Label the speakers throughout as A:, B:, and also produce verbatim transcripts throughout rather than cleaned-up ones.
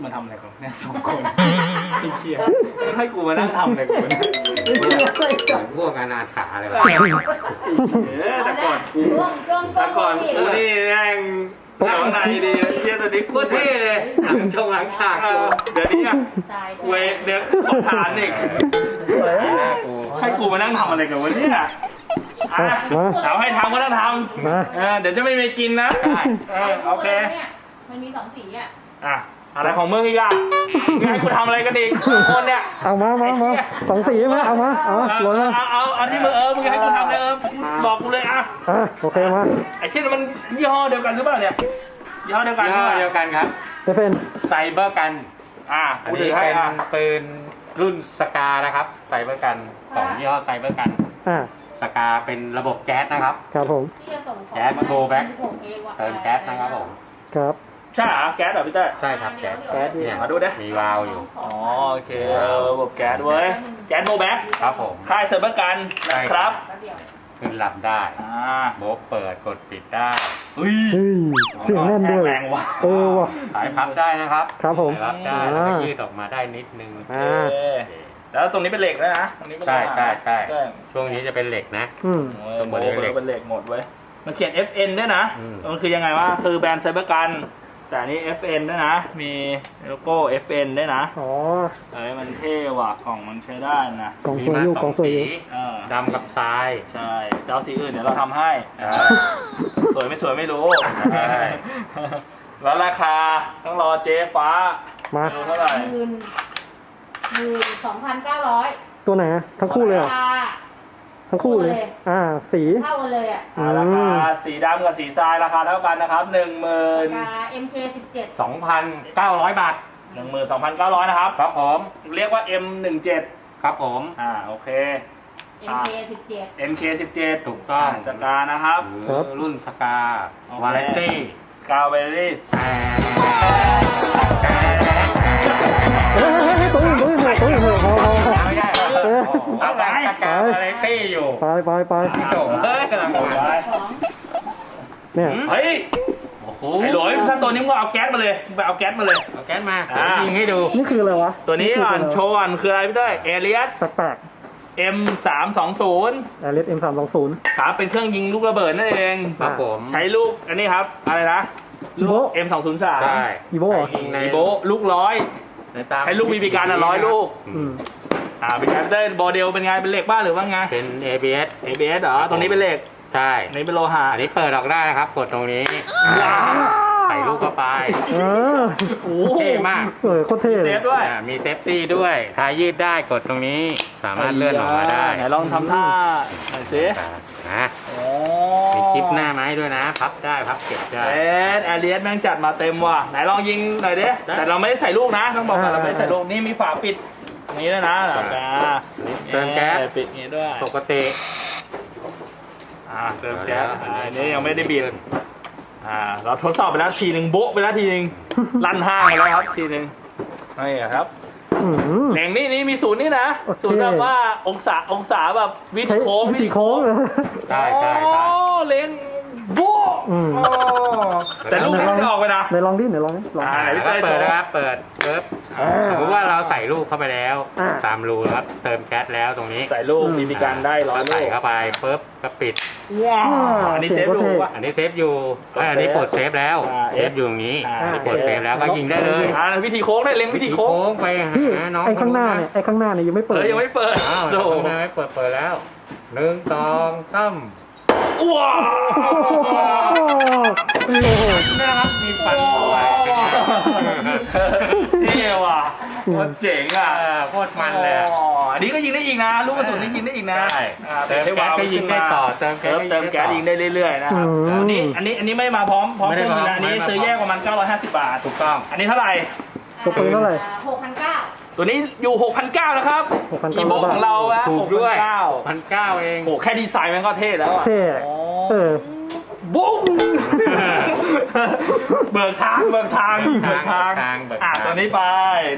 A: มาทำอะไรกันเนี่ยสองคนเครียดให้กูมานั่งทำอะไรกูเนี่ย
B: พวกอนาถาอะไรวะ
A: แต่ก่อนกูแต่ก่อนกูนี่แม่งหนังในดีเที่ยตอนนี้
B: โคตรเท่เลยหลังชงหลังฉาก
A: เดี๋ยวนี้อ่ะเวเดี๋ยวขอทานอีกให้กูมานั่งทำอะไรกันวะเนี่ยอ่ะเอาให้ทำก็ต้องทำเดี๋ยวจะไม่มีกินนะโอเค
C: มันมีสองสีอ่ะ
A: อ่ะอะไรของมึงอีกอ่ะให้กูทำอะไรกันอีกคนเนี่ย
D: เอามามามาสองสีไหมเอามาเอาลงมา
A: เอาเอาเอาที่มึงเออมึงให้กูทำเลยเออบอกกูเลยอ่ะ
D: อ่ะโอเคมา
A: ไอ้เช่นมันยี่ห้อเดียวกันหรือเปล่าเนี่ยยี่ห้อเดียวกัน
B: ยี่ห้อเดียวกันครับ
D: จะเป็น
B: ไซเบอร์กัน
A: อ่ะ
B: อันนี้เป็นปืนรุ่นสกานะครับไซเบอร์กันของยี่ห้อไซเบอร์กัน
D: อ่า
B: สกาเป็นระบบแก๊สนะครับ
D: ครับผม
B: แก๊สโกแบ็คเติมแก๊สนะครับผม
D: ครับ
A: ใช่เหรอแก๊สเหรอพี่เต้
B: ใช่ครับแก๊ส
D: แก๊ส
A: เนี่ยมาดูดิ
B: มีวาล์วอยู่
A: อ๋อโอเคระบบแก๊สเว้ยแก๊สโมแบ็ค
B: ครับผม
A: ค่ายเซอร์เบอร์กันนะครับ
B: ขึ้นลำได้โบ๊ะเปิดกดปิดได้
A: เฮ้ย
D: เสียงแน่นด้วย
A: แรงว่ะ
D: เออว่ะ
B: สายพับได้นะครับ
D: ครับผม
B: พับได้แล้วก็ยืดออกมาได้นิดนึง
A: แล้วตรงนี้เป็นเหล็กแล้วนะตรงนี้เป็น
B: ใช่ใช่ใช่ช่วงนี้จะเป็นเหล็กนะ
D: อืม
A: ตรงบนนี้เป็นเหล็กหมดเว้ยมันเขียน เอฟ เอ็น ด้วยนะมันคือยังไงวะคือแบรนด์ไซเบอร์กันแต่อันนี้ เอฟ เอ็น ด้วยนะมีโลโก้ เอฟ เอ็น ด้วยนะ
D: อ๋อ
A: เอ้ยมันเท่ว่ะกล่องมันใช้ได้นะ
D: กล่องสวยอยู่กล่องสวยอยู่
B: ดำกับทราย
A: ใช่เจ้าสีอื่นเดี๋ยวเราทำให้สวยไม่สวยไม่รู้แล้วราคาต้องรอเจ๊ฟ้า
D: มา
A: เท่าไหร่
C: หมื่นหมื่นสองพันเก้าร้อย
D: ตัวไหนทั้งคู่เลยทั้งคู่เลยอ่าสี
C: เท่ากันเลยอ่ะ
A: ราคาสีดำกับสีทรายราคาเท่ากันนะครับหนึ่งหมื่น
C: ราคา เอ็ม เค สิบเจ็ด
B: สองพันเก้าร้อยบาท
A: หนึ่งหมื่นสองพันเก้าร้อยนะครับ
B: ครับผม
A: เรียกว่า เอ็ม สิบเจ็ด
B: ครับผม
A: อ่าโอเค
C: เอ็ม เค สิบเจ็ด
A: เอ็ม เค สิบเจ็ด
B: ถูกต้อง
A: สกานะครับ
B: รุ่นสกาวาเลนตี้
A: กาวเวลลี่
D: เฮ้ยตัวอื่นตัวอื่นตัวอื่นพอพอพอ
B: ไม่ได้เอาไปสกาวาเลนตี้อยู่
D: ไปไปไป
B: พี่โตเฮ้ยกำลังไป
D: เนี่ย
A: เฮ้ยไอ้หลอยถ้าตัวนี้มึงเอาแก๊สมาเลยไปเอาแก๊สมาเลย
B: เอาแก๊สมายิงให้ดู
D: นี่คืออะไรวะ
A: ตัวนี้ก่อนโชว์ก่อนคืออะไรพี่เต้เอเลียส
D: แปลก
A: เอ็ม สามสองศูนย์
D: เอเลียส เอ็ม สามสองศูนย์
A: ครับเป็นเครื่องยิงลูกระเบิดนั่นเอง
B: ครับผม
A: ใช้ลูกอันนี้ครับอะไรนะลูก เอ็ม สองศูนย์สาม
B: ใช่
D: อีโบ
A: อีโบลูกร้อยใช้ลูกบีบีกันอ่ะร้อยลูกอ่าเป็นไงเต้โมเดลเป็นไงเป็นเหล็กบ้างหรือว่าไง
B: เป็น เอ บี เอส
A: เอ บี เอส เหรอตรงนี้เป็นเหล็ก
B: ใช่
A: อันนี้เป็นโลหะ
B: อันนี้เปิดออกได้นะครับกดตรงนี้ใส่ลูกเข้าไป
D: โอ้
B: เท่มาก
D: เออโคตรเท่
A: เซฟด้วย
B: มีเซฟตี้ด้วยทายยืดได้กดตรงนี้สามารถเลื่อนออกมาได้
A: ไหนลองทำท่าหน่อยสิ
B: นะมีคลิปหน้าไม้ด้วยนะพับได้พับเก็บได้
A: เอสแอเรียสแม่งจัดมาเต็มว่ะไหนลองยิงหน่อยดิแต่เราไม่ได้ใส่ลูกนะต้องบอกว่าเราไม่ได้ใส่ลูกนี่มีฝาปิดนี้ด้วยนะหลังกา
B: เติมแก๊ส
A: ปิดนี้ด้วย
B: ปกติ
A: อ่าเติมแก๊สอันนี้ยังไม่ได้บีบอ่าเราทดสอบไปแล้วทีหนึ่งโบ๊ะไปแล้วทีหนึ่งลั่นห้างไปแล้วครับทีหนึ่งนี่ครับแหล่งนี้นี่มีศูนย์นี่นะศูนย์แบบว่าองศาองศาแบบวิถีโค้ง
D: วิถีโค้ง
B: ใช่ใช่ใช่
A: เล่นโบ๊ะแต่ลูกไม่ออกไปนะ
D: ไหนลองดิไหนลองดิลอง
A: ไหนพี่
B: เปิดนะครับเปิดเปิดสมมติว่าเราใส่ลูกเข้าไปแล้วตามรูครับเติมแก๊สแล้วตรงนี้
A: ใส่ลูกมีมีการได้ร้อยลูก
B: ใส่เข้าไปปุ๊บก็ปิด
A: ว้าวอันนี้เซฟอยู่
B: อันนี้เซฟอยู่อันนี้กดเซฟแล้วเซฟอยู่ตรงนี้กดเซฟแล้วก็ยิงได้เลย
A: อ่าวิธีโค้งได้เล็งวิธีโค้ง
B: ไปหาน้อง
D: ไอ้ข้างหน้าเนี่ยไอ้ข้างหน้าเนี่ยยังไม่เปิด
A: ยังไม่เปิด
B: อ้าวยังไม่เปิดเปิดแล้วหนึ่งสองสาม
A: ว้าว
B: นี่นะครับมีฟันด้วย
A: เท่ว่ะโคตรเจ๋งอ่ะ
B: โคตรมันเลย
A: อันนี้ก็ยิงได้อีกนะลูกกระสุนนี่ยิงได้อีกนะ
B: เติมแก๊สก็ยิงได้ต่อเติมแก๊ส
A: เติมแก๊สยิงได้เรื่อยๆนะครับอันนี้อันนี้อันนี้ไม่มาพร้อมพร้อมเครื่องยิงอันนี้ซื้อแยกประมาณเก้าร้อยห้าสิบบาท
B: ถูกต้อง
A: อันนี้เท่าไหร่
D: ตัวปืนเท่าไหร่
C: หกพันเก้า
A: ตัวนี้อยู่ หกพันเก้าร้อย นะครับอีโบของเราอะ
B: ถูกด้วย หกพันเก้าร้อย เอง
A: โอ้แค่ดีไซน์มันก็เท่แล้วอะ
D: เท่เออ
A: บุ้งเบิกทางเบิกทางเบิกทางอ่ะตัวนี้ไป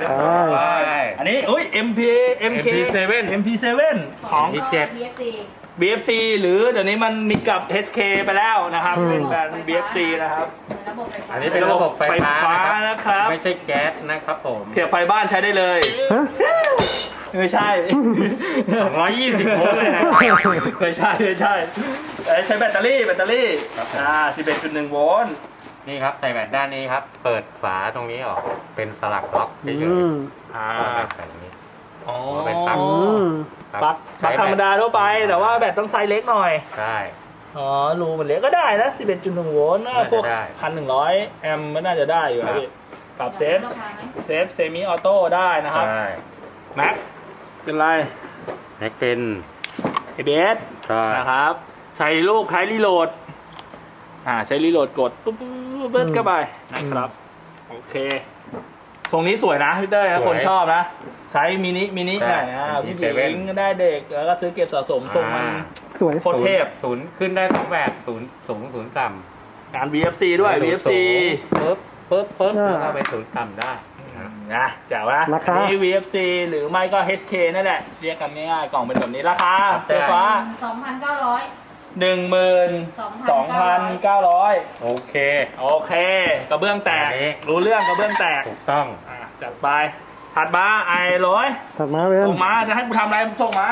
A: อันนี้อุ้ย เอ็ม พี เอ็ม เค
B: เอ็ม พี เซเว่น
A: เอ็ม พี เซเว่น ของ
B: พี เจ็ด
A: บี เอฟ ซี หรือเดี๋ยวนี้มันมีกับ เอช เค ไปแล้วนะครับ
D: อืม
A: เป็นแบรนด์ บี เอฟ ซี นะครับ
C: เหมือนระบบไฟฟ้า
B: อันนี้เป็นระบบไฟฟ้า
A: ไฟฟ้า
B: นะ
A: นะค
B: ค
A: รั
B: รับ บ ไม่ใช่แก๊สนะครับผม
A: เสียบไฟบ้านใช้ได้เลย
D: ฮะ
A: ไม่ใช่
B: สองร้อยยี่สิบโวลต์เลยนะ
A: ไม่ใช่ไม่ใช่เอ้ยใช้แบตเตอรี่แบตเตอรี่
B: ครับผม
A: อ่า สิบเอ็ดจุดหนึ่ง โวลต์
B: นี่ครับใส่แบตด้านนี้ครับ เปิดฝาตรงนี้ออก เป็นสลักล็อกเฉ
D: อื
B: ย
D: ม
A: อ่า
B: ๆเอาแบตใส่ตรงนี้
A: อ๋อ
B: เป็นปลั๊ก
D: อืม
B: ครับ
A: ปลั๊กปลั๊กธรรมดาทั่วไป แต่ว่าแบตต้องไซส์เล็กหน่อย
B: ใช่
A: อ๋อ รูมันเล็กก็ได้นะ สิบเอ็ดจุดหนึ่ง โวลต์นะ
B: น่าจะ
A: พวก
B: ได้
A: พันหนึ่งร้อยแอมป์มันน่าจะได้อยู่
B: ครั
A: นะ
B: บ
A: พี่ปรับเซฟ
C: ราคาไหม
A: เซฟเซมิออโต้ได้นะครับ
B: ใช่
A: แม็กเป็นไร
B: แม็กเป็น
A: เอ บี เอส
B: ใช่
A: นะครับ ใช้ลูกใช้รีโหลด อ่า ใช้รีโหลดกดปุ๊บปุ๊บปุ๊บปุ๊บเข้าไปนะครับ โอเค ทรงนี้สวยนะพี่เต้ยนะคนชอบนะ ใช้มินิมินิหน่อยนะผู้หญิงก็ได้เด็ก แล้วก็ซื้อเก็บสะสมทรงมัน
D: สวย
A: โคตรเทพ
B: ศูนย์ขึ้นได้สองแบบศูนย์สูงศูนย์ต่ำ
A: งาน บี เอฟ ซี ด้วย บี เอฟ ซี
B: ปึ๊บปึ๊บปึ๊บแล้วก็ไปศูนย์ต่ำได้นะ
A: นะแจ๋วนะ
D: ราคา
A: นี่ บี เอฟ ซี หรือไม่ก็ เอช เค นั่นแหละ เรียกกันง่ายๆ กล่องเป็นแบบนี้ราคาไฟฟ้า
C: สองพันเก้าร้อย
A: หนึ่งหมื่นสองพันเก้าร้อย
B: โอเค
A: โอเค กระเบื้องแตก
B: อันนี้
A: รู้เรื่องกระเบื้องแตก
B: ถูกต้อง
A: อ่ะจัดไป ถัดมาไอ้ร้อย
D: ถัดมาเว้น
A: ส่งมา จะให้กูทำอะไรส่งมา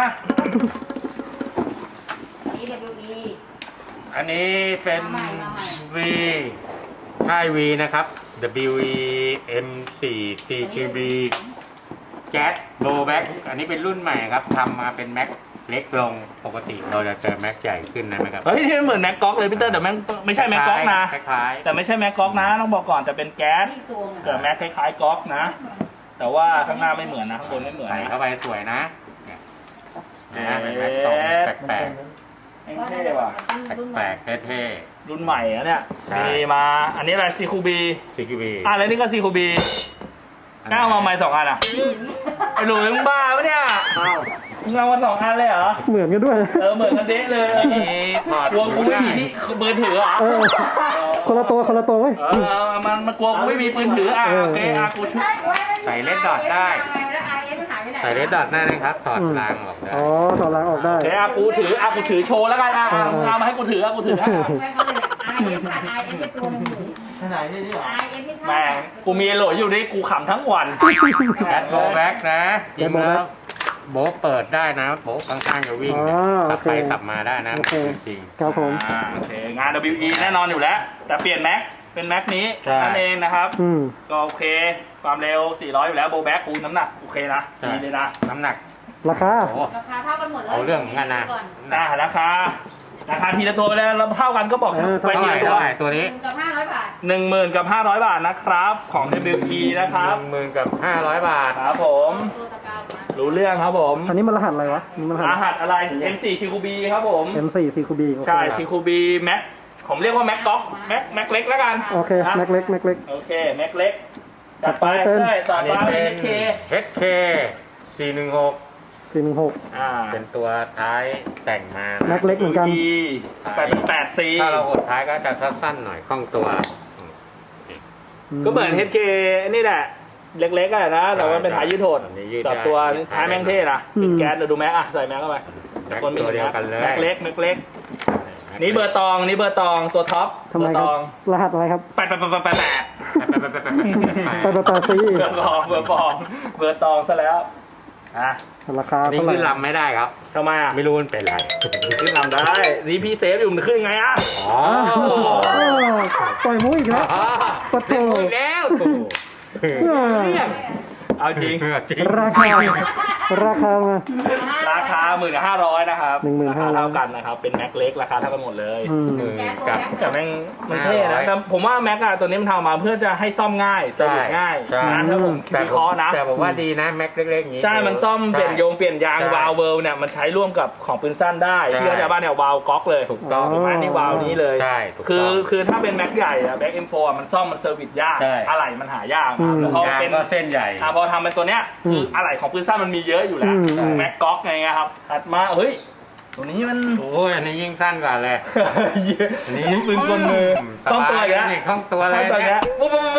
C: นี่ ดับเบิลยู อี
B: อันนี้เป็น
C: มาใหม่มาใหม่
B: V ค่าย V นะครับ W E M สี่ C Q B แก๊สโบแบ็กอันนี้เป็นรุ่นใหม่ครับทำมาเป็นแม็กเล็กลงปกติเราจะเจอแม็กใหญ่ขึ้นนะไหมครับ
A: เฮ้ยนี่มันเหมือนแม็กก๊อกเลยพี่เตอร์แต่แม่งไม่ใช่แม็กก๊อกนะ
B: คล้ายๆ
A: แต่ไม่ใช่แม็กก๊อกนะต้องบอกก่อนแต่เป็นแก๊ส
C: นี่ตัวไง
A: แต่แม็กคล้ายๆก๊อกนะ แต่ว่าข้างหน้าไม่เหมือนนะข้างบนไม่เหมือน
B: ใส่
A: นะ
B: เข้าไปสวยนะเนี่ยนะเป็นแม็กตรงแปลก
A: แม่งเท่ว่ะ
B: ๆแปลกๆเท่
A: รุ่นใหม่อะเนี่ย
B: ใช่
A: มีมาอันนี้อะไรซีคูบี
B: ๆ C Q B
A: อ่ะแล้วนี่ก็ซีคูบีก้าวมาใหม่สองอันอ่ะไอ้หลุยมึงบ้าปะเนี่ยมึงเอามาสองอันเลยเหรอ
D: เหมือนกันด้วย
A: เออเหมือนกันเด๊ะเลย
B: อันนี้ถอด
A: กลัวกูไม่มีที่ปืนถือเหรอ
D: เออ คนละตัวคนละตัวเว้ย
A: เออเอามันมันกลัวกูไม่มีปืนถืออ่ะ
D: เออ
A: โอเคอ่ะกูช่วย
B: ใส่เลนส์ดอทได้
C: แล้วไอเอสมันหายไปไหน
B: ใส่เลนส์ดอทได้นะครับถอด
D: อืม
B: รางออกได้
D: อ๋อถอดรางออกได้
A: โอเคอ่ะกูถืออ่ะกูถือโชว์แล้วกันอ่ะอ่ะมึงเอามาให้กูถืออ่ะกูถือให้อ่ะ
C: ใช่เขาเลยไอเอสขาดไอเอสไปตัวหนึงอยู่
A: ไหนนี่นี่เหรอ
C: ไอเอสไม่ใช่
A: แม่งกูมีโหลดอยู่นี่กูขำทั้งวัน
B: แบทโบแบ็กนะจริง
D: แบทโบแบ็
B: แล้
D: คว
B: โบะเปิดได้นะโบะข้างๆจะวิ่ง
D: อ๋อ
B: ขับไป
D: โอเค
B: ขับมาได้นะ
D: โอเค
B: จริง
D: ครับผม
A: อ่าโอเคงาน ดับเบิลยู อี แน่นอนอยู่แล้ว แต่เปลี่ยนแม็กเป็นแม็กนี้
B: ใช่
A: นั่นเองนะครับ
D: อืม
A: ก็โอเค ความเร็ว สี่ร้อย อยู่แล้วโบแบ็กคูณน้ำหนัก โอเคนะ
B: ใช่
A: ดีเลยนะ
B: น้ำหนัก
D: ราคา
B: โอ้
C: ราคาเท่ากันหมดเลย
B: เอาเรื่องเหมือนกันนะ
C: ก่อน
A: อ่าราคา ราคาทีละตัวไปแล้วเราเท่ากันก็บอก
D: เออ
A: ไป
B: เท่า
A: ที
B: ไหร่
A: ละตัว
B: เท่าไหร่ตัวนี้
C: หนึ่งกับห้าร้อยบาท
A: หนึ่งหมื่นกับห้าร้อยบาทนะครับ ของ ดับเบิลยู อี นะครับ
B: หนึ่งหมื่นกับห้าร้อยบาท
A: ครับผม
C: ตัวตะกร้าวมา
A: รู้เรื่องครับผม
D: อันนี้มันรหัสอะไรวะนี่มันร
A: ร
D: หัส
A: หัสอะไร เอ็ม โฟร์ ซี คู บี ครับผม
D: เอ็ม โฟร์ ซี คู บี
A: ใช่ ซี คู บี แม็กผมเรียกว่าแม็กก๊อกแม็กแม็กเล็กแล้วกัน
D: โอเค
A: นะ
D: แม็กเล็กแม็กเล็ก
A: โอเค แม็กเล็ก จัดไป
D: เป็น
A: ใช่ต่อ
B: อัน
A: ไป
B: นี้
A: เป็
B: เป็น น
A: เค
B: เอช เค สี่หนึ่งหก
D: สี่หนึ่งหก
A: อ่า
B: เป็นตัวท้ายแต่งมา
D: แม็
B: นะ
D: กเล็กเหมือนกัน
A: แปดเป็นแปดซี
B: ถ้าเราหดท้ายก็จะสั้นๆหน่อยคล่องตัว
A: ก็เหมือน เอช เค นี่แหละ เล็กๆอะนะ แต่ว่าเป็นท้ายยืดโหด
B: อันนี้ยืด
A: กับ
B: ได้
A: ตัวท้ายแม่งเท่นะ
D: อืม
A: เป็นแก๊สเดี๋ยวดูแม็กอะใส่แม็กเข้าไป
B: แม็กตัวเดียวกันเลย
A: แม็กเล็กแม็กเล็ก นี่เบอร์ตอง นี่เบอร์ตอง ตัวท็อป
D: ทำไม
A: เบอร์
D: ค
A: ต
D: รับ
A: อง
D: รหัสอะไรครับ
A: แปดแปดแปดแปดแปด
B: ไปไปไปไปไปไป
D: แปดแปดแปดซี
A: เบอร์ตอง เบอร์ตอง เบอร์ตองซะแล้ว อ่ะ
D: ราคา
B: นี่
D: เท่าไหร่
B: ขึ้นลำไม่ได้ครับ
A: ทำไมอ่ะ
B: ไม่รู้มันเป็นไร
A: ขึ้นลำได้ นี่พี่เซฟอยู่มันขึ้นยังไงอ่ะ
B: อ๋อ
D: อ้าวปล่อยมุ้ยอีกแล้ว ปะโถ
B: เล่นมุกแล้วโถ
D: เออ
B: เรื่อง
A: เอาจริง
B: จริง
D: ราคา ราคามา
A: ราคาหมื่นห้าร้อยนะครับ
D: หนึ่งหมื่น
A: รา
D: ห้า
A: คา
D: ร้อย
A: เท่ากันนะครับ เป็นแม็กเล็กราคาเท่ากันหมดเลย
D: อืม
B: หมื่นกับ
A: แต่แม่งมันเท่นะแต่ผมว่าแม็กอะตัวนี้มันทำมาเพื่อจะให้ซ่อมง่ายเซอร์วิสง่าย
B: ใช่
A: นะถ้าผม
B: แต่
A: วิ
B: ผ
A: เคราะ
B: ม
A: ห์นะ
B: แต่ผมว่าดีนะแม็กเล็กๆอย่างนี้
A: ใช่ มันซ่อมเปลี่ยนโยงเปลี่ยนยาง
B: ใช่
A: วาล์วเวิลเนี่ยมันใช้ร่วมกับของปืนสั้นได้
B: ใช่
A: ที่เขาจะบ้านเนี่ยวาล์วก๊อกเลย
B: ถูกต้อง
A: ถูกไหมนี่วาล์วนี้เลย
B: ใช่ถูกต้อง
A: คือคือถ้าเป็นแม็กใหญ่อะแม็กเอ็มโฟมันซ่อมมันเซอร์วิสยาก
B: ใช่
A: อะไหล่มันหายาก
D: อืม
A: แล้วพอย
B: าง
A: เป็น
B: ก็เส้นใหญ่
A: อ่ะพอทำเป็นตัวเนี้ยคืออะไหล่ของปืนสั้นมันมีเยอะอยู่แล้ว
D: อืม
A: แม็กก๊อกไงครับถัดมาเฮ้ยตัวนี้มัน
B: โอ้ยอันนี้ยิ่งสั้นกว่าเลย
A: อันนี้ปืนกลมือ
B: ส
A: ต้อง
B: บา
A: ตัวย อีกแล้ว
B: นี่คล่องตัวเลย
A: ต้องตัวอีกแล้ว
B: เนี่ย
A: ปุ๊บปุ๊บปุ๊บปุ๊บ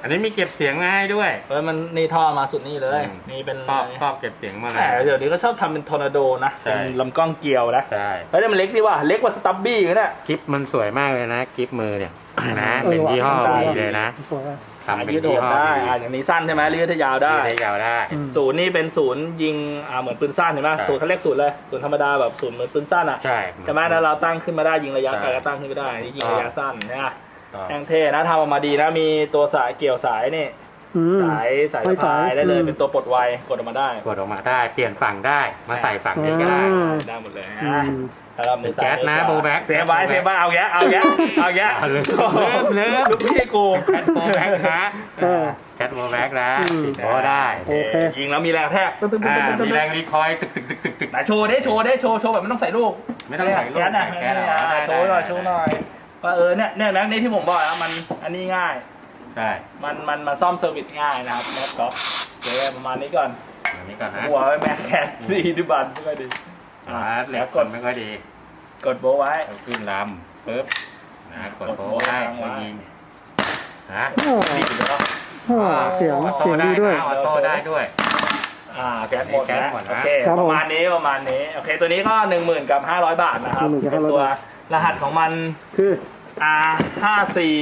B: อันนี้มีเก็บเสียงมาให้ด้วย
A: เออมันนี่ท่อมาสุดนี่เลย
B: อืม
A: นี่เป็น
B: ครอบครอบเก็บเสียงมาเล
A: แต่
B: ย
A: เดี๋ยวนี้ก็ชอบทำเป็นทอร์นาโดนะ
B: ใช่
A: เป็นลำกล้องเกลียวนะ
B: ใช่
A: เฮ้ยแต่มันเล็กดีว่ะเล็กกว่าสตับบี้กันเนี่ย
B: กิฟมันสวยมากเลยนะกิฟมือเนี่ยนะ
D: เออ
B: เป็นยี่ห้อ
D: ว่ะ
B: วีเลยนะ
D: สวยอะ
B: ทำเป็น
A: ยืดโห
B: ยี่
A: ด
B: ห้อ
A: ได้
B: วี
A: อ่าอย่างนี้สั้นใช่ไหมยืดยาวได้
B: ได้ยาวได้
D: อืม
A: ศูนย์นี่เป็นศูนย์ยิงอ่าเหมือนปืนสั้นเห็นไหม
B: ใช่
A: ศูนย์เขาเรียกศูนย์เลยศูนย์ธรรมดาแบบศูนย์เหมือนปืนสั้นอ่ะ
B: ใช่
A: ใช่ไหมแล้วเราตั้งขึ้นมาได้ยิงระยะ
B: ใช่
A: ไกลก็ตั้งขึ้นไม่ได้นี่ยิง
B: อ่า
A: ระยะสั้นนะ
B: ก็
A: แท่งเท่นะทำออกมาดีนะมีตัวสายเกี่ยวสายนี่
D: อืม
A: สายสาย
D: ไม่
A: สะพาย
D: สาย
A: ได้เลย
D: อืม
A: เป็นตัวปลดไวกดออกมาได้
B: กดออกมาได้เปลี่ยนฝั่งได้มาใส่ฝั่งนี้ก็ได้
D: อ่า
A: ได้หมดเลย
D: อื
A: นะ
D: ม
A: แล้วเรามือซ้าย
B: แก๊สนะ
A: มือขวา
B: โบว์แบ็ค
A: เซฟไว้เซฟไว้เอาแยะเอาแยะเอาแยะ
B: เอาเลย
A: โอ้โห
B: เลิฟ
A: ลูกพี่กู
B: แคทโบว์แบ็กนะ
D: เออ
B: แคทโบว์แบ็กนะ
D: อืม
B: ติดโบว์ได้
D: โอเค
A: ยิงแล้วมีแรงแทกตึ๊ดตึ๊ดตึ๊ด
B: อ่า
A: ตึ๊ดตึ๊ด
B: มีแรงรีคอยล์ตึกตึกตึกตึกตึก
A: ไหนโชว์ดิโชว์ดิโชว์โชว์แบบไม่ต้องใส่ลูก
B: ไม่ต้องใส่ลูก
A: แก๊สนะ
B: แก๊สเหรอ
A: อ่า
B: ได้
A: โชว์หน่อย
B: ได้
A: โชว์หน่อยว่าเออเนี่ยเนี่ยแม็กนี่ที่ผมบอกแล้วมันอันนี้ง่าย
B: ได้
A: มันมันมาซ่อมเซอร์วิสง่ายนะครับแม็กก๊อฟเดี๋ยวประมาณนี้ก่อน
B: อันนี้ก่อนนะ
A: หัวไว้แม็กแคทสี่ดิบันไม่ค่อยดี
B: อ่า
A: อ่า
B: เหล็
A: แล้ว
B: ก
A: ก
B: ก
A: ด
B: ดไม่ค่อยดี
A: กดโบว์ไว้
B: เอาขึ้นลำปึ๊บนะกดโบ
A: กด
B: ว์
A: โบว์
B: ได้
A: ค้างไว้
B: ก็ยิงนะ
D: โอ้
A: นี่ถือว่า
D: โหเสียง
B: ออโต้
D: เสียง
B: ได้
D: ดีด้วย
B: นะออโต้ได้ด้วย
A: อ่าแก๊สหมด
B: แก๊ส
A: นะ
B: หมดนะ
A: โอเค
D: ครับ
A: ป
D: ผม
A: ระมาณนี้ประมาณนี้โอเคตัวนี้ก็หนึ่งหมื่นกับห้าร้อยบาทนะครับ
D: หนึ่งหมื่นกับ
A: เป็น
D: ห้าร้อย
A: ตัว
D: บาท
A: รหัสของมัน
D: คือ
A: อาร์ ห้าสิบสี่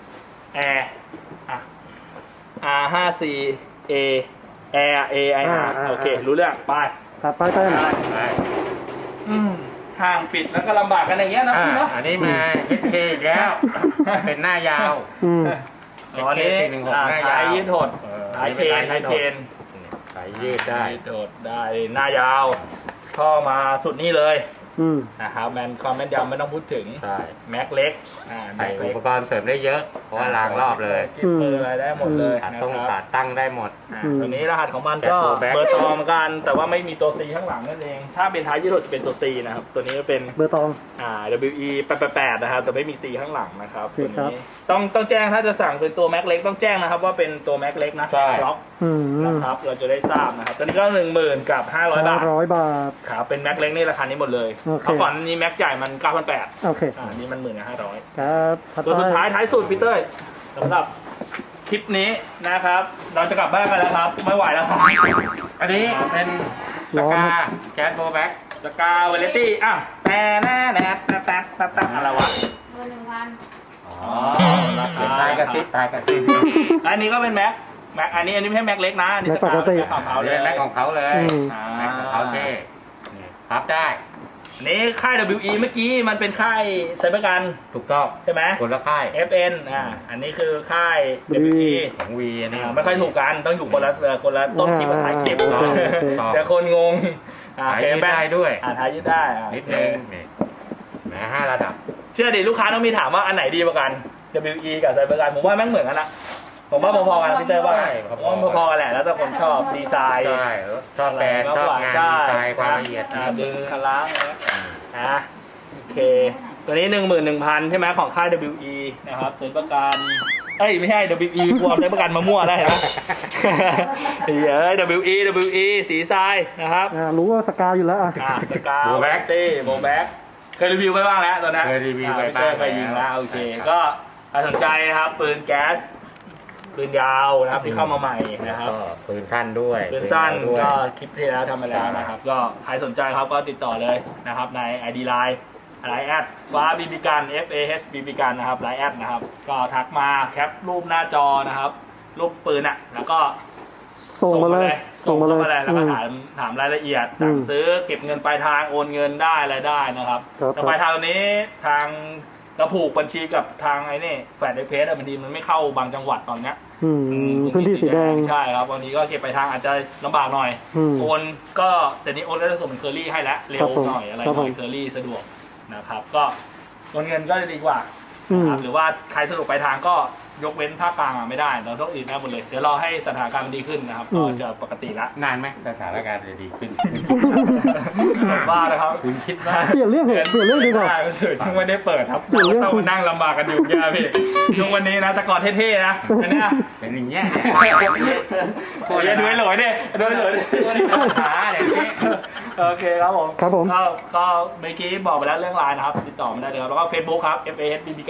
A: Air อ่ะ อาร์ ห้าสิบสี่ A Air A I R โอเครู้เรื่องไป
D: ตัดไปเต้น
B: ได้
A: อืมห่างปิดแล้วก็ลำบากกันอย่างเงี้ยนะ
B: อ่า
A: พี่เนาะ
B: อันนี้มา เอส เค อีกแล้ว เป็นหน้ายาว
D: อืม
A: อ๋อนี่
B: เอส เค สี่หนึ่งหก
A: อ่า
B: หน้ายาว
A: ท้ายยืดหด
B: เออ
A: ท้ายเทน
B: อันนี้
A: ท้าย
B: เป็น
A: เท
B: ท้าย
A: น
B: สายยืดได้
A: ยืดหดได้หน้ายาวท่อมาสุดนี่เลย
D: อืม
A: นะครับแมนความแม่นยำไม่ต้องพูดถึง
B: ใช่
A: แม็กเล็กอ่า
B: ใส่
A: แม็ก
B: อุ
A: เล็ก
B: ปกรณ์เสริมได้เยอะ เพราะว่าล้างรอบเลย
A: กิ๊บเบอร์อะไรได้หมดเลย
B: ขาด
A: นะ
B: ต้อง
A: ค
B: ขา
A: รับ
B: ดตั้งได้หมด
A: อ่า
D: อืม
A: ตัวนี้รหัสของมัน
B: แก๊
A: ก็
B: สโฟร์แบ็ค
A: เบอร์ตองเหมือนกัน แต่ว่าไม่มีตัว C ข้างหลังนั่นเอง ถ้าเป็นท้ายยืดหดจะเป็นตัว C นะครับ ตัวนี้ก็เป็น
D: เบอร์ตอง
A: อ่า ดับเบิลยู อี แปดแปดแปดนะครับแต่ไม่มี C ข้างหลังนะครับ
D: โอ
A: ตัว
D: เคครับ
A: นี้ต้องต้องแจ้งถ้าจะสั่งเป็นตัวแม็กเล็กต้องแจ้งนะครับว่าเป็นตัวแม็กเล็กนะ
B: ใช่
A: ล็อก
D: อืม
A: นะครับเราจะได้ทราบนะครับตัวนี้ก็หนึ่งหมื่นกับห้าร้อยบาท
D: ร้อยบาท
A: ครับเป็นแม็กเล็กนี่ราคานี้หมดเลย
D: โอเค
A: เพราะก่อนนี้แม็กใหญ่มันเก้าพันแปด
D: โอเค
A: อ่านี่มันหมื่นห้าร้อย
D: ครับถัด
A: ตัว
D: ไป
A: สุดท้ายท้ายสุดพี่เต้ยสำหรับคลิปนี้นะครับ เราจะกลับบ้านกันแล้วครับ ไม่ไหวแล้วครับ
B: อันนี้เป็นสกาแก๊สโบว์แบ็ก
A: สกาเวเลตี้อ่ะแต่แน่แน่แต่แต่แต่แต่อะไรวะ
C: เบอร์หนึ่งพัน
B: อ๋อเป็นตายกระซิบตายกระซิบ
A: อันนี้ก็เป็นแม็กแม็กอันนี้อันนี้ไม่ใช่แม็กเล็กนะอันนี้สกาเป็นแม็กของเขา
B: เอา
A: เล
B: เลย ยแม็กของเขาเลย
D: อืม
A: อ่า
B: แม็กของเขาเท่นี่พับได้
A: อันนี้ค่าย ดับเบิลยู อี เมื่อกี้มันเป็นค่ายไซเบอร์กัน
B: ถูกต้อง
A: ใช่ไหม
B: คนละค่าย
A: เอฟ เอ็น อ่าอันนี้คือค่าย ดับเบิลยู อี
B: ของวีอันนี้
A: อ่าไม่ค่อยถูกกันต้องอยู่คนละเอ่อคนละต้นคลิปกับท้ายคลิป
D: โอเคโอเค
A: เดี๋ยวคนงงอ่า
B: หายยืดได้ด้วย
A: อ่าท้ายยืดได้อ่า
B: นิดนึงนี่แหมห้าระดับ
A: เชื่อดิลูกค้าต้องมีถามว่าอันไหนดีกว่ากัน ดับเบิลยู อี กับไซเบอร์กันผมว่าแม่งเหมือนกันนะผมว่าพอๆกันพี่เต้ยว่า
B: ใช่พอๆ
A: ผมว่าพอๆกันแหละแล้วแต่คนชอบดีไซน์
B: ใช่ชอบแบรนด์ชอบงานดีไซน์ความละเอียด
A: อ่า
B: ฝี
A: ดึ
B: มื
A: ง
B: อ
A: คล้างนะโอเค ตัวนี้หนึ่งหมื่นหนึ่งพันใช่ไหมของค่าย ดับเบิลยู อี นะครับซื้อประกันเอ้ยไม่ใช่ ดับเบิลยู อี กลัวใช้ประกันมามั่วได้เหรอ เดี๋ยว ดับเบิลยู อี ดับเบิลยู อี สีทรายนะครับ
D: อ่ารู้ว่าสกาอยู่แล้วอ่ะ
A: อ่าสกาโบแบ็กตี้โบแบ็กเคยรีวิวไปบ้างแล้วตอนนั้น
B: เคยรีวิวไป
A: อ่
B: บ้าง
A: เคยยิงแล้วโอเค
B: ครับ
A: ก็ใครสนใจนะครับปืนแก๊สปืนยาวนะครับที่เข้ามาใหม่นะครับ
B: ก็ปืนสั้นด้วย
A: ปืนสั้น
B: ด้วย
A: ก็คลิปที่แล้วทำมาแล้วนะครับ ก็ใครสนใจครับก็ติดต่อเลยนะครับใน ไอ ดี ไลน์ ไลน์แอดฟ้าบีบีกัน F A H บีบีกันนะครับไลน์แอดนะครับก็ทักมาแคปรูปหน้าจอนะครับรูปปืนอ่ะแล้วก็
D: ส่งมาเลย
A: ส่งมาเลย
D: ส่งมาเลย
A: แล้วก็
D: อืม
A: ถามถามรายละเอียดสั่ง
D: อืม
A: ซื้อเก็บเงินปลายทางโอนเงินได้อะไรได้นะครับ
D: ครับ
A: แต่ปลายทางตอนนี้ทางกระผูกบัญชีกับทางไอ้นี่แฟดไอเพสบางทีมันไม่เข้าบางจังหวัดตอนเนี้ย
D: อืมพื้นที่สีแดง
A: ใช่ครับบางทีก็เก็บปลายทางอาจจะลำบากหน่อย
D: อืม
A: โอนก็แต่นี้โอนก็จะส่งเป็นเคอรี่ให้แล้วเร็
D: ครั
A: ว
D: บผม
A: หน่อยอะไร
D: ครับ
A: หน่อย
D: ผม
A: เคอรี่สะดวกนะครับก็โอนเงินก็จะดีกว่า
D: อืม
A: นะครับหรือว่าใครสะดวกปลายทางก็ยกเว้นภาคกลางอ่ะไม่ได้เราต้องอื่นได้หมดเลยเดี๋ยวรอให้สถานการณ์มันดีขึ้นนะครับ
D: อื
A: ก็
D: ม
A: จะปกติละ
B: นานไหมสถานการณ์จะดีขึ้น
A: บ้าเลยครับ
B: คุณคิดว่า
D: เปลี่ยนเรื่องเหอะเปลี่ยนเรื่องดีกว่า
A: ไม่ได้เฉยช่วงไม่ได้เปิดครับ
D: เปลี่ยนเรื่อง
A: ต้องมานั่งลำบากกันอยู่แย่พี่ช่วงวันนี้นะแต่ก่อนเท่ๆนะอันเนี้ย
B: เป็นอย่างเงี้ย
A: โอ้ยดูไอ้หลอยดิดูไอ้หลอยดิ
B: ขาเดี๋ยวนี้
A: โอเคครับผม
D: ครับผม
A: ก็ก็เมื่อกี้บอกไปแล้วเรื่องไลน์นะครับ ติดต่อมาได้เลยครับ แล้วก็ Facebook ครับ F A S บี บี กัน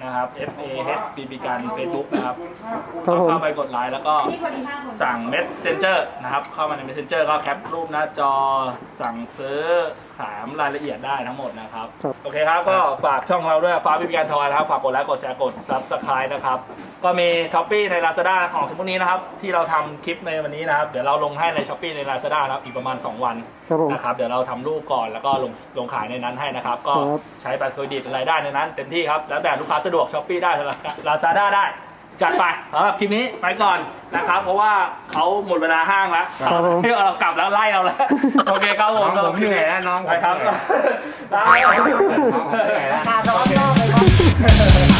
A: นะครับ F A H บี บี การ Facebook นะครับ
D: ครับผม
A: เข้าไปกดไลค์แล้วก็
C: นี่พอดีห้าคน
A: สั่ง Messenger นะครับ เข้ามาใน Messenger ก็แคปรูปหน้าจอสั่งซื้อถามรายละเอียดได้ทั้งหมดนะครับ
D: ครับ
A: โอเคครับ ก็ฝากช่องเราด้วยฟ้าพิพิการทอยนะครับ ฝากกดไลค์ กดแชร์ กด Subscribe นะครับ ก็มี Shopee ใน Lazada ของสมมุตินี้นะครับ ที่เราทำคลิปในวันนี้นะครับ เดี๋ยวเราลงให้ใน Shopee ใน Lazada นะครับ อีกประมาณ สอง วัน
D: ครับผม
A: นะครับ เดี๋ยวเราทำรูปก่อนแล้วก็ลงลงขายในนั้นให้นะครับ ก็
D: ครับ
A: ใช้บัตรเครดิตอะไรได้ในนั้นเต็มที่ครับ แล้วแต่ลูกค้าสะดวก Shopee ได้ Lazada ได้ จัดไปสำหรับคลิปนี้ไปก่อนนะครับ เพราะว่าเขาหมดเวลาห้างแล้ว
D: ครับผม
A: เรากลับแล้วไล่เราแล้ว โอเคครับผม
B: น้องผมเหนื่อยแล้วน้องผม
A: ไปครับ
B: เหนื่อย
A: ได้
B: น้องผมเหนื่อยแล้ว
C: มาร้อนรอบเลยครับ